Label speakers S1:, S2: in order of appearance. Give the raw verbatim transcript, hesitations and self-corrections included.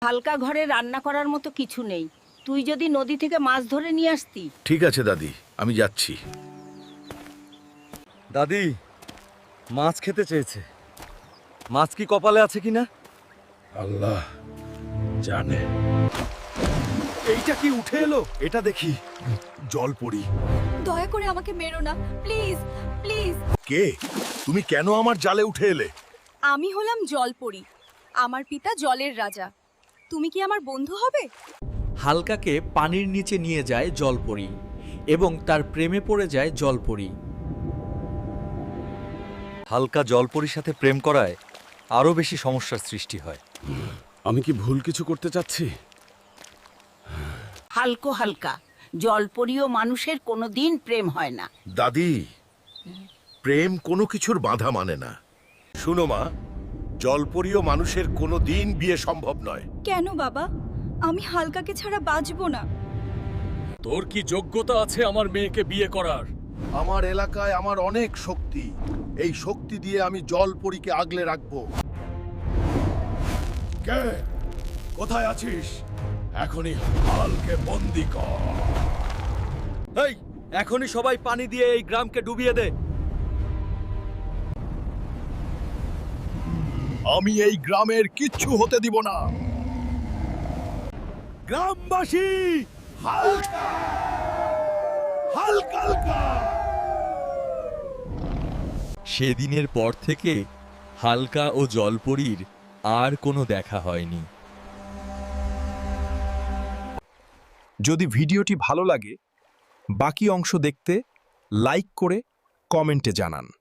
S1: হালকা ঘরে রান্না করার মতো কিছু নেই। তুই যদি নদী থেকে মাছ ধরে নিয়ে আসতি।
S2: ঠিক আছে দাদি, আমি যাচ্ছি।
S3: দাদি মাছ খেতে চেয়েছে। মাছ কি কপালে আছে কিনা?
S2: আল্লাহ জানে। এইটা কি উঠে এলো? এটা দেখি। জলপরি।
S4: দয়া করে আমাকে মেরো না, প্লিজ প্লিজ।
S2: কে তুমি? কেন আমার জালে উঠে এলে?
S4: আমি হলাম জলপরী, আমার পিতা জলের রাজা। তুমি কি আমার বন্ধু হবে?
S5: হালকাকে পানির নিচে নিয়ে যায় জলপরি এবং তার প্রেমে পড়ে যায় জলপরি।
S3: হালকা জলপরির সাথে প্রেম করায় আরো বেশি সমস্যার সৃষ্টি হয়।
S2: আমি কি ভুল কিছু করতে চাচ্ছি?
S1: হালকো হালকা, জলপরীয় মানুষের কোনোদিন প্রেম হয় না।
S2: দাদি, প্রেম কোনো কিছুর বাধা মানে না। শুনো মা, জলপরীয় মানুষের কোনো দিন বিয়ে সম্ভব নয়।
S4: কেন বাবা? আমি হালকাকে ছাড়া বাঁচবো না।
S6: তোর কি যোগ্যতা আছে আমার মেয়েকে বিয়ে করার?
S2: আমার এলাকায় আমার অনেক শক্তি। এই শক্তি দিয়ে আমি জলপরীকে আগলে রাখবো।
S6: কে? কোথায় আছিস? এখনই হালকে বন্দি কর।
S3: এই এখনই সবাই পানি দিয়ে এই গ্রামকে ডুবিয়ে দে।
S2: আমি এই গ্রামের কিচ্ছু হতে দিব না। গ্রামবাসী, হালকা হালকা হালকা।
S5: সেদিনের পর থেকে হালকা ও জলপরীর আর কোনো দেখা হয়নি।
S7: যদি ভিডিওটি ভালো লাগে, বাকি অংশ দেখতে লাইক করে কমেন্টে জানান।